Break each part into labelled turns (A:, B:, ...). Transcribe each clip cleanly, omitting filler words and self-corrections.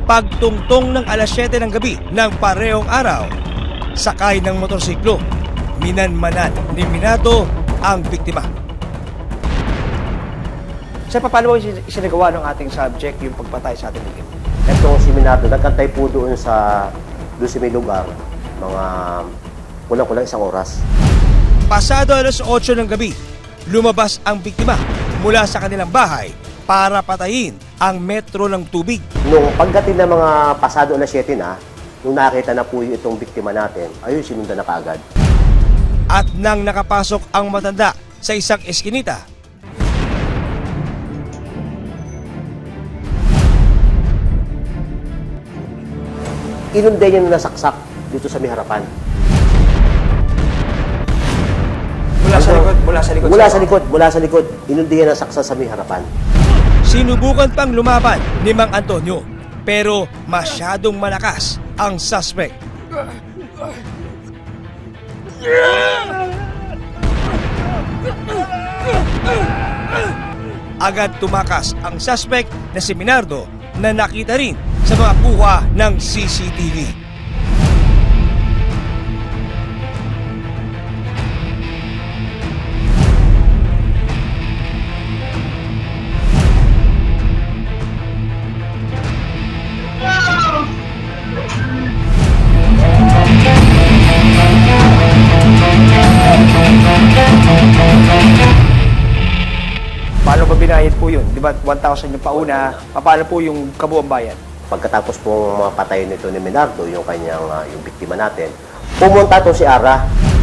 A: Pagtungtong ng alas 7 ng gabi ng parehong araw, sakay ng motorsiklo, minanmanan ni Minato ang biktima.
B: Sir, paano ba isinagawa ng ating subject yung pagpatay sa ating biktima?
C: Itong si Minato, nagkantay po doon sa may lugar, mga kulang-kulang 1 oras.
A: Pasado alas 8 ng gabi, lumabas ang biktima mula sa kanilang bahay para patayin ang metro ng tubig.
C: Nung pagdating ng mga pasado alas 7 na, nung nakita na po itong biktima natin, ayun, sinundan na kaagad.
A: At nang nakapasok ang matanda sa isang eskinita,
C: Inunday niya na nasaksak dito sa may harapan.
B: Mula sa likod.
C: Mula sa likod. Inunday niya na nasaksak sa may harapan.
A: sinubukan pang lumaban ni Mang Antonio pero masyadong malakas ang suspect. Agad tumakas ang suspect na si Minardo na nakita rin sa mga kuha ng CCTV.
B: Paano ba binayad po yun? Di ba 1,000 yung pauna? Paano po yung kabuang bayan?
C: Pagkatapos po mga patay nito ni Minardo, yung kanyang yung biktima natin, pumunta to si Ara.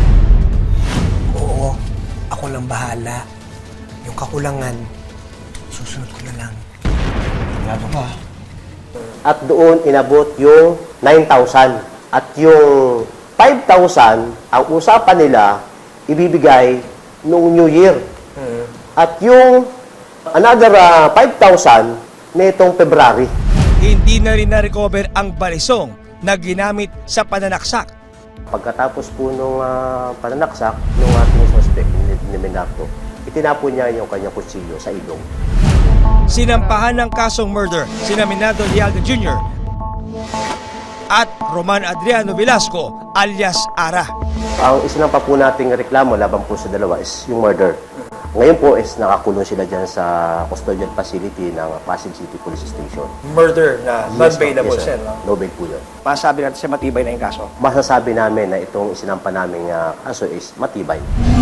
D: Oo, ako lang bahala. Yung kakulangan, susunod ko na lang. Sigurado ka?
C: At doon inabot yung 9,000. At yung 5,000, ang usapan nila, ibibigay noong New Year. At yung another 5,000 nitong February.
A: Hindi na rin na-recover ang balisong na ginamit sa pananaksak.
C: Pagkatapos po nung pananaksak ng ating suspect ni Minardo, itinapon niya yung kanyang kutsilyo sa ilong.
A: Sinampahan ng kasong murder sina Minardo Lialda Jr. at Roman Adriano Velasco alias Ara.
C: Ang isinampa po nating reklamo laban po sa dalawa is yung murder. Ngayon po is nakakulong sila dyan sa custodial facility ng Pasig City Police Station.
B: Murder na non-bailable,
C: Yes,
B: sir.
C: sir.
B: No?
C: No bail po yun.
B: Masabi natin siya matibay na yung kaso.
C: Masasabi namin na itong isinampa naming kaso is matibay.